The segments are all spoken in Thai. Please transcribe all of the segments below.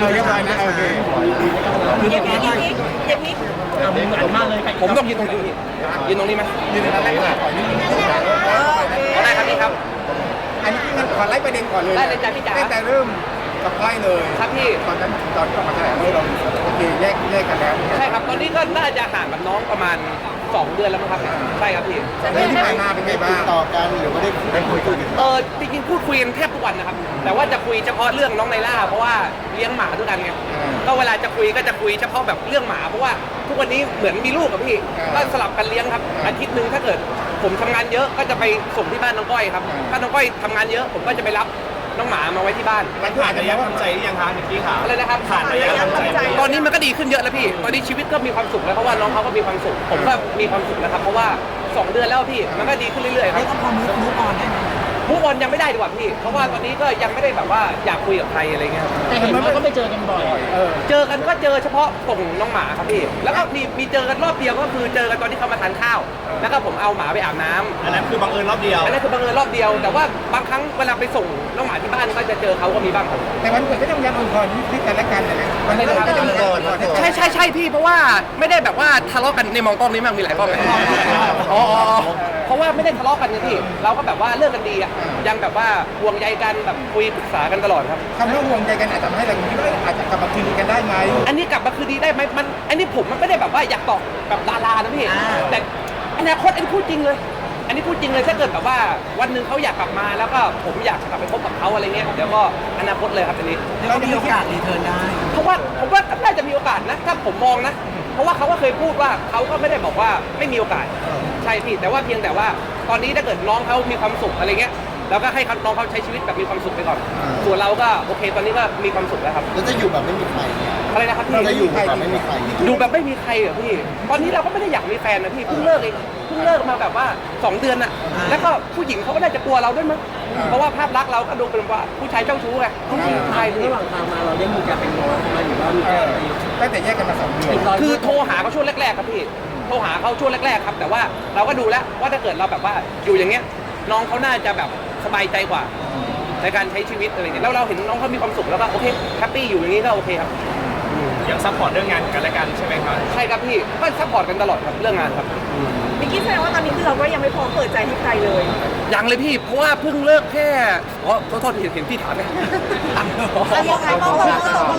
เรียบร้อยนะโอเคอย่างนี้เหมือนมากเลยผมต้องยืนตรงนี้ยืนตรงนี้ไหมยืนตรงนั้นแรกก่อนนี่ได้ครับพี่ครับอันนี้งั้นขอไล่ประเด็นก่อนเลยได้เลยจ้ะพี่จ๋าตั้งแต่เริ่มกับก้อยเลยครับพี่ตอนนั้นตอนที่ออกมาแถลงเราโอเคแยกกันแล้วใช่ครับตอนนี้ก็น่าจะห่างกับน้องประมาณ2 เดือนแล้วมั้งครับใช่ครับพี่แล้วที่ผ่านมาเป็นไงบ้างต่อกันหรือว่าได้คุยกันจริงๆพูดคุยกันแทบทุกวันนะครับแต่ว่าจะคุยเฉพาะเรื่องน้องไนล่าเพราะว่าเลี้ยงหมาด้วยกันไงก็เวลาจะคุยก็จะคุยเฉพาะแบบเรื่องหมาเพราะว่าทุกวันนี้เหมือนมีลูกกับพี่ก็สลับกันเลี้ยงครับอาทิตย์นึงถ้าเกิดผมทำงานเยอะก็จะไปส่งที่บ้านน้องก้อยครับถ้าน้องก้อยทำงานเยอะผมก็จะไปรับน้องหมามาไว้ที่บ้านมันผ่านระยะทำใจหรือยังคะนิกกี้ขาอะไรนะครับผ่านระยะทำใจตอนนี้มันก็ดีขึ้นเยอะแล้วพี่ตอนนี้ชีวิตก็มีความสุขแล้วเพราะว่าน้องเขาก็มีความสุขผมก็มีความสุขนะครับเพราะว่า2 เดือนแล้วพี่มันก็ดีขึ้นเรื่อยๆครับแล้วก็พอมูฟออนได้ไหมมูฟออนยังไม่ได้ดีกว่าพี่เพราะว่าตอนนี้ก็ยังไม่ได้แบบว่าอยากคุยกับใครอะไรเงี้ยครับแต่เห็นว่าก็ไปเจอกันบ่อยเจอกันก็เจอเฉพาะส่งน้องหมาครับพี่แล้วก็มีเจอกันรอบเดียวก็คือเจอกันตอนที่เขามาทานข้าวแล้วก็ผมเอาหมาไปอาบน้ำอันนั้นคือบังเอิญรอบเดียวอันนั้นคือบังเอิญรอบเดียวแต่ว่าบางครั้งเวลาไปส่งน้องหมาที่บ้านก็จะเจอเขาก็มีบ้างครับแต่วันเกิดก็ต้องย้ำอวยพรที่กันและกันนะวันเกิดก็ต้องย้ำอวยพรใช่พี่เพราะว่าไม่ได้แบบว่าทะเลาะกันในมองกล้องนี้มากมีหลายกล้องไหมอ๋อเพราะว่าไม่ได้ทะเลาะกันไงพี่เราก็แบบว่าเลิกกันดีอ่ะยังแบบว่าห่วงใยกันแบบคุยปรึกษากันตลอดครับคำว่าห่วงใจกันอาจจะทำให้เราคิดว่าอาจจะกลับมาคืนดีกันได้ไหมอันนี้กลับมาคืนดีได้ไหมมันอันนี้ผมมันไม่ได้แบบว่าอยากตอบแบบดารานะพี่แต่อนาคตอันนี้พูดจริงเลย อันนี้พูดจริงเลยถ้าเกิดแบบว่าวันหนึ่งเขาอยากกลับมาแล้วก็ผมอยากกลับไปพบกับเขาอะไรเงี้ยเดี๋ยวก็อนาคตเลยครับอันนี้เรามีโอกาสรีเทิร์นได้เพราะว่าผมว่าน่าจะมีโอกาสนะถ้าผมมองนะ เพราะว่าเขาก็เคยพูดว่าเขาก็ไม่ได้บอกว่าไม่มีโอกาสใช่พี่แต่ว่าเพียงแต่ว่าตอนนี้ถ้าเกิดน้องเขามีความสุขอะไรเงี้ยเราก็ให้น้องเขาใช้ชีวิตแบบมีความสุขไปก่อนส่วนเราก็โอเคตอนนี้ก็มีความสุขแล้วครับแล้วจะอยู่แบบไม่มีใครเนี่ยอะไรนะครับพี่เราจะอยู่แบบไม่มีใครอยู่แบบไม่มีใครเหรอพี่ ตอนนี้เราก็ไม่ได้อยากมีแฟนนะพี่เพิ่งเลิกเองเพิ่งเลิกมาแบบว่า2 เดือนน่ะแล้วก็ผู้หญิงเขาก็น่าจะกลัวเราด้วยมั้งเพราะว่าภาพลักษณ์เราก็ดูเป็นว่าผู้ชายเจ้าชู้ไงใช่พี่ระหว่างทางมาเราได้มีการเป็นน้องมาหรือว่ามีการตั้งแต่แยกกันมา2 เดือนคือโทรหาเขาช่วงแรกๆครับพี่โทรหาเขาช่วงแรกๆครับแต่ว่าเราก็ดูแล้วว่าถ้าเกิดเราแบบว่าอยู่อย่างเงี้ยน้องเขาน่าจะแบบสบายใจกว่าในการใช้ชีวิตอะไรเงี้ยแล้วเราเห็นน้องเขามีความสุขแล้วก็โอเคแฮปปี้อยู่อย่างนี้ก็โอเคครับยังซัพพอร์ตเรื่องงานกันและกันใช่ไหมครับใช่ครับพี่ก็ซัพพอร์ตกันตลอดครับเรื่องงานครับนิกกี้แสดงว่าตอนนี้คือเราก็ยังไม่พร้อมเปิดใจให้ใครเลยยังเลยพี่เพราะว่าเพิ่งเลิกแค่อ๋อโทษเห็นพี่ถามไหมยังไงมองตรง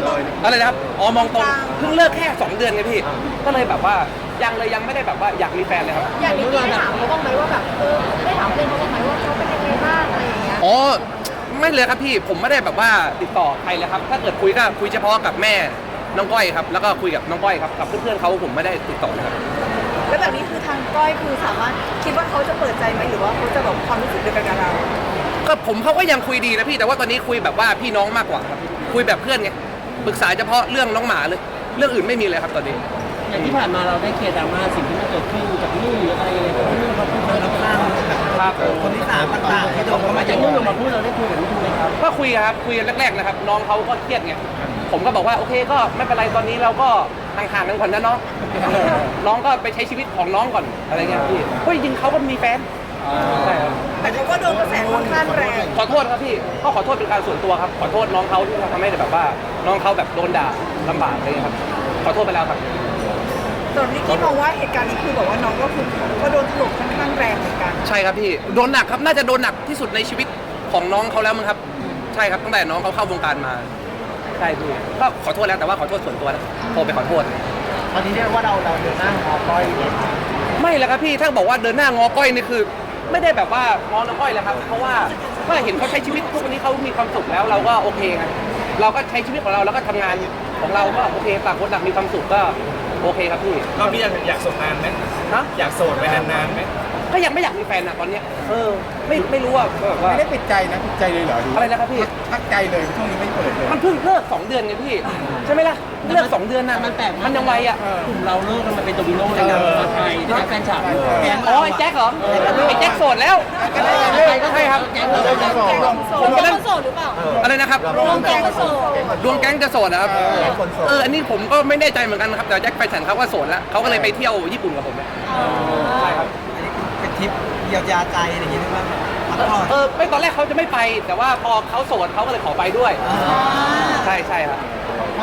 อะไรนะครับอ๋อมองตรงเพิ่งเลิกแค่ 2 เดือนไงพี่ก็เลยแบบว่ายังเลยยังไม่ได้แบบว่าอยากมีแฟนเลยครับอย่างนิกกี้ได้ถามเขาบ้างไหมว่าแบบได้ถามเพื่อนเขาบ้างไหมว่าเขาเป็นยังไงบ้างอะไรอย่างเงี้ยอ๋อไม่เลยครับพี่ผมไม่ได้แบบว่าติดต่อใครเลยครับถ้าเกิดคุยก็คุยเฉพาะกับแม่น้องก้อยครับแล้วก็คุยกับน้องก้อยครับกับเพื่อนๆเขาผมไม่ได้ติดต่อเลยครับแล้วแบบนี้คือทางก้อยคือสามารถคิดว่าเขาจะเปิดใจไหมหรือว่าเขาจะแบบความรู้สึกเดียวกันกับเราก็ผมเขาก็ยังคุยดีนะพี่แต่ว่าตอนนี้คุยแบบว่าพี่น้องมากกว่าครับคุยแบบเพื่อนไงปรึกษาเฉพาะเรื่องน้องหมาเลยเรื่องอื่นไม่มีเลยครับตอนนี้อย่างที่ผ่านมาเราได้เคลียร์ดราม่าสิ่งที่มันเกิดขึ้นกับนุ่นหรืออะไรยังไงกับนุ่นเขาพูดเราข้างครับคนที่3ต่างๆที่โดนเข้ามาอย่างนุ่นลงมาพูดเราได้คุยกับนุ่นไหมครับก็คุยครับคุยแรกๆนะครับน้องเขาก็เครียดไงผมก็บอกว่าโอเคก็ไม่เป็นไรตอนนี้เราก็ห่างๆกันก่อนนะน้องน้องก็ไปใช้ชีวิตของน้องก่อนอะไรเงี้ยพี่เฮ้ยจริงเขาก็มีแฟนใช่ครับแต่เขาก็โดนกระแสค่อนข้างแรงขอโทษครับพี่ก็ขอโทษเป็นการส่วนตัวครับขอโทษน้องเขาที่ทำให้แบบว่าน้องเขาแบบโดนด่าลำบากอะไรเงี้ยครับขอโทษไปแล้วครับส่วนนิกกี้มองว่าเหตุการณ์นี้คือบอกว่าน้องก็คือก็โดนถล่มค่อนข้างแรงเหมือนกันใช่ครับพี่โดนหนักครับน่าจะโดนหนักที่สุดในชีวิตของน้องเขาแล้วมั้งครับใช่ครับตั้งแต่น้องเขาเข้าวงการมาใช่พี่ก็ขอโทษแล้วแต่ว่าขอโทษส่วนตัวนะโทรไปขอโทษตอนนี้เรียกว่าเราเดินหน้าขอก้อยไม่แล้วครับพี่ถ้าบอกว่าเดินหน้างอก้อยนี่คือ ไม่ได้แบบว่างอน้องก้อยแล้วครับเพราะว่าก็เห็นเขาใช้ชีวิตทุกวันนี้เขามีความสุขแล้วเราก็โอเคไงเราก็ใช้ชีวิตของเราแล้วก็ทำงานของเราก็โอเคต่างคนต่างมีความสุขก็โอเคครับพี่รอบนี้อยากโสดนานไหมนะอยากโสดไปนานๆไหมก็ยังไม่อยากมีแฟนนะตอนเนี้ยไม่รู้ว่าแบบว่าไม่ได้ปิดใจนะปิดใจเลยเหรออะไรนะครับพี่พักใจเลยช่วงนี้ไม่เปิดเลยมันเพิ่งเลิก2 เดือนไงพี่ใช่ไหมล่ะเลิก2 เดือนน่ะมันแปลกมันยังไวอ่ะกลุ่มเราเลิกกันมาเป็นโดมิโนในการไทยที่แฟนฉากแก๊งอ๋อไอ้แจ็คเหรอไอ้แจ็คโสดแล้วใช่ครับแก๊งเราผมก็เล่นโสดหรือเปล่าอะไรนะครับรวมแก๊งก็โสดดวงแก๊งจะโสดนะครับอันนี้ผมก็ไม่แน่ใจเหมือนกันนะครับแต่แจ็คแฟนฉันเขาก็โสดแล้วเขาก็เลยไปเที่ยวญี่ปุ่นกับผมเนี่ยใช่ครับเป็นทริปเยียวยาใจอะไรอย่างเงี้ยว่าพักผ่อนไม่ตอนแรกเขาจะไม่ไป แต่ว่าพอเขาโสดเขาก็เลยขอไปด้วยใช่ครับเขา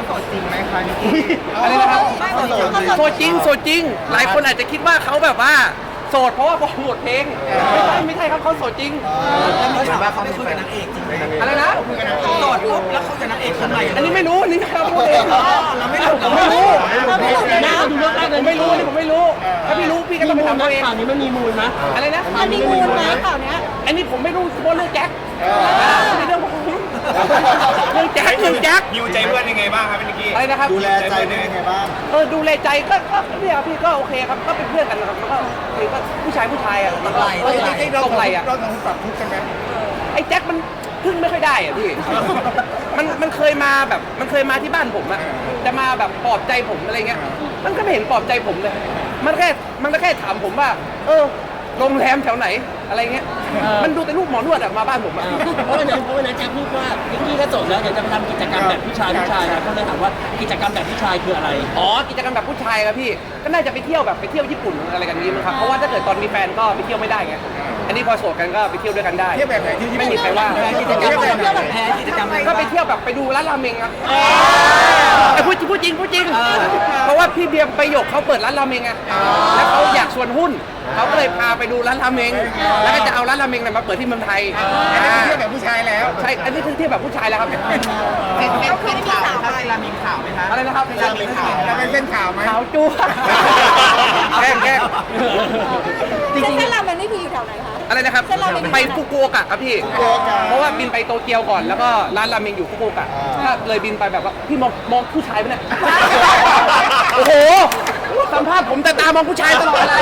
โสดจริงไหมคะนิกกี้อะไรนะครับไม่เหมือนเขาโสดจริงโสดจริง หลายคนอาจจะคิดว่าเขาแบบว่าโสดเพราะว่าโปรโมทเพลงไม่ใช่ครับเขาโสดจริงแล้วถามว่าเขาไปคุยกับนางเอกจริงไหมอะไรนะโสดปุ๊บแล้วเขากับนางเอกคนใหม่อันนี้ไม่รู้นี่ครับพูดเองเราไม่รู้ผมไม่รู้เราไม่รู้นะดูเรื่องแรกผเลยมไม่รู้นี่ผมไม่รู้ ถ้าพี่รู้พี่ก็ต้องไปถามตัวเองข่าวนี้มันมีมูลนะอะไรนะมันมีมูลไหมข่าวเนี้ยอันนี้ผมไม่รู้เพราะเรื่องแจ็คเรื่องผมเรื่องแจ็คเรื่องแจ็คยิวใจเพื่อนยังไงบ้างครับนิกกี้อะไรนะครับดูแลใจเป็นยังไงบ้างดูแลใจก็เนี่ยพี่ก็โอเคครับก็เป็นเพื่อนกันนะครับมันก็ผู้ชายอ่ะมันก็ตรงไหลอ่ะเราต้องปรับทุกข์กันไหมไอ้แจ็คมันพึ่งไม่ค่อยได้อ่ะพี่ มันเคยมาแบบมันเคยมาที่บ้านผมอะจะมาแบบปลอบใจผมอะไรเงี้ย มันก็ไม่เห็นปลอบใจผมเลย มันก็แค่ถามผมว่า โรงแรมแถวไหนอะไรเงี้ย มันดูแต่รูปหมอนวดอะมาบ้านผมอะเพราะวันนั้นแจ็คพูดว่านิกกี้ก็โสดแล้วเดี๋ยวจะไปทำกิจกรรมแบบผู้ชายนะก็เลยถามว่ากิจกรรมแบบผู้ชายคืออะไรอ๋อกิจกรรมแบบผู้ชายครับพี่ ก็น่าจะไปเที่ยวแบบไปเที่ยวญี่ปุ่นอะไรกันนี้มั้งครับ เพราะว่าถ้าเกิดตอนมีแฟนก็ไปเที่ยวไม่ได้ไง อันนี้พอโสดกันก็ไปเที่ยวด้วยกันได้เที่ยวแบบไหนที่ญี่ปุ่นไม่มีใครว่ากิจกรรมแบบแพ้กิจกรรมอะไรก็ไปเที่ยวแบบไปดูร้านราเมงครับพูดจริง เพราะว่าพี่เบียร์ประโยคเขาเปิดร้านราเมงไงแล้วเขาอยากชวนหุ้น เขาก็เลยพาไปดูร้านราเมง แล้วก็จะเอาร้านราเมงเนี่ยมาเปิดที่เมืองไทยอันนี้เที่ยวแบบผู้ชายแล้วใช่ อันนี้คือเที่ยวแบบผู้ชายแล้วครับเขาคือไม่มีข่าวไปอะไรนะครับเราเป็นเส้นข่าวไหมขาวจั๊วแกล้งเส้นรามมันไม่มีอยู่แถวไหนคะอะไรนะครับเส้นราเมงไปฟุกุโอกะครับพี่ เพราะว่าบินไปโตเกียวก่อน แล้วก็ร้านราเมงอยู่ฟุกุโอกะถ้าเลยบินไปแบบว่าพี่มองผู้ชายไหมเนี่ย โอ้โห สัมภาษณ์ผมแต่ตามองผู้ชายตลอดเลย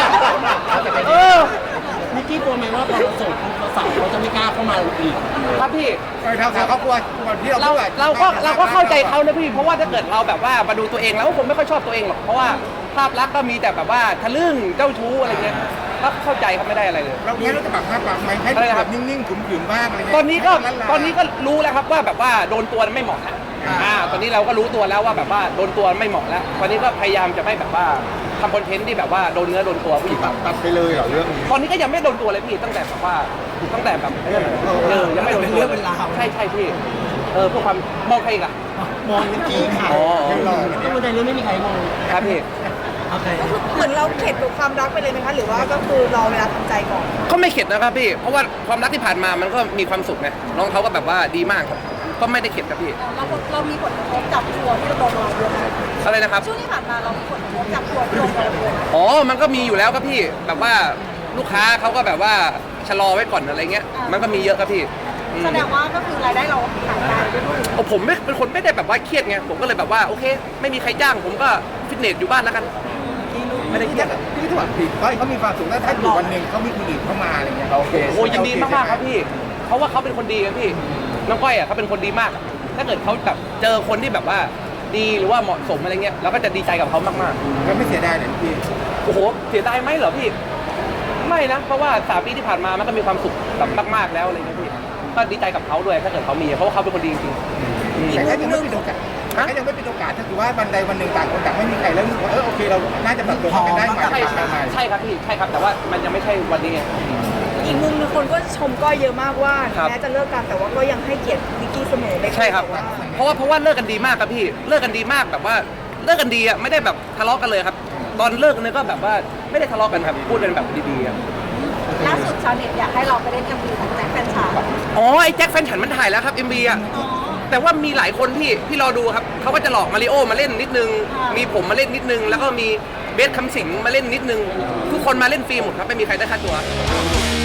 นิกกี้กลัวไหมว่าพอเราโสดสาวเขาจะไม่กล้าเข้ามาอีกครับพี่ทางเขากลัวก่อนที่เราเราก็เข้าใจเขานะพี่ เพราะว่าถ้าเกิดเราแบบว่ามาดูตัวเองแล้วผมไม่ค่อยชอบตัวเองหรอก เพราะว่าภาพลักษณ์ก็มีแต่แบบว่าทะลึ่งเจ้าชู้อะไรเงี้ยก็เข้าใจครับไม่ได้อะไรเลยเรางั้นเราจะปรับไหมให้แบบนิ่งๆขึมๆบ้างอะไรเงี้ยตอนนี้ก็รู้แล้วครับว่าแบบว่าโดนตัวไม่เหมาะแล้วตอนนี้เราก็รู้ตัวแล้วว่าแบบว่าโดนตัวไม่เหมาะแล้วตอนนี้ก็พยายามจะไม่แบบว่าทำคอนเทนต์ที่แบบว่าโดนเนื้อโดนตัวผู้หญิงตัดไปเลยเหรอเรื่องนี้ตอนนี้ก็ยังไม่โดนตัวเลยพี่ตั้งแต่แบบว่าแบบยังไม่โดนตัวใช่พี่เพื่อความมองใครอีกอะมองนิกกี้ค่ะอ๋อยังหล่อก็วันใดเรื่องไม่มีใครมองครับพี่โอเคก็คือเหมือนเราเข็ดกับความรักไปเลยไหมคะ หรือว่าก็คือรอเวลาทำใจก่อนก็ไม่เข็ดนะครับพี่เพราะว่าความรักที่ผ่านมามันก็มีความสุขไงน้องเขาก็แบบว่าดีมากครับก็ไม่ได้เข็ดครับพี่เรามีผลกระทบกับทัวร์ที่เราโดนมาเยอะไหมอะไรนะครับช่วงที่ผ่านมาเรามีผลกระทบกับทัวร์ที่เราโดนมาเยอะไหมอ๋อมันก็มีอยู่แล้วครับพี่แบบว่าลูกค้าเขาก็แบบว่าชะลอไว้ก่อนอะไรเงี้ยมันก็มีเยอะครับพี่แสดงว่าก็คือรายได้เราหายไปด้วยผมไม่เป็นคนไม่ได้แบบว่าเครียดไงผมก็เลยแบบว่าโอเค ไม่มีใครจ้างผมก็ฟิตเนสอยู่บ้านแล้วกันไม่ได้เครียดพี่ถอดผิดเขามีความสุขแล้วถ้าอยู่วันหนึ่งเขามีคนอื่นเข้ามาอะไรเงี้ยโอเคโอ้ยินดีมากๆครับพี่เพราะว่าเขาเป็นคนดีครับพี่น้องก้อยอ่ะเขาเป็นคนดีมาก ถ้าเกิดเขาแบบเจอคนที่แบบว่าดีหรือว่าเหมาะสมอะไรเงี้ยเราก็จะดีใจกับเขามากแล้วไม่เสียดายเลยพี่ๆโอ้โหเสียดายไหมเหรอพี่ไม่นะเพราะว่า3 ปีที่ผ่านมามันก็มีความสุขแบบมากๆแล้วอะไรเงี้ยพี่ก็ดีใจกับเขาด้วยถ้าเกิดเขามีเพราะว่าเขาเป็นคนดีจริงๆแต่ถ้ายังไม่เป็นโอกาสถ้ายังไม่เป็นโอกาสถ้าถือว่าวันใดวันหนึ่งต่างคนต่างไม่มีใครแล้วรู้สึกว่าโอเคเราน่าจะปรับตัวกันได้ใหม่ใช่ครับพี่ใช่ครับแต่ว่ามันยังไม่ใช่วันนี้ไงอีกมุมนึงคนก็ชมก้อยเยอะมากว่าครับแม้จะเลิกกันแต่ว่าก็ยังให้เกียรตินิกกี้เสมอเลยใช่ครับเพราะว่าเลิกกันดีมากครับพี่เลิกกันดีมากแบบว่าเลิกกันดีอ่ะไม่ได้แบบทะเลาะกันเลยครับ ตอนเลิกเนี่ยก็แบบว่าไม่ได้ทะเลาะกันครับพูดกันแบบดีๆครับล่าสุดชาวเน็ตอยากให้เราไปเล่น MV ของแจ็คแฟนฉันอ๋อไอ้แจ็คแฟนฉันมันถ่ายแล้วครับ MV อ่ะแต่ว่ามีหลายคนที่รอดูครับเขาก็จะหลอกมาริโอมาเล่นนิดนึงมีผมมาเล่นนิดนึงแล้วก็มีเบสคำสิงมาเล่นนิดนึงทุกคนมาเล่นฟรีหมดครับไม่มีใครได้ค่า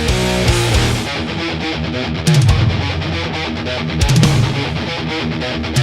ตัว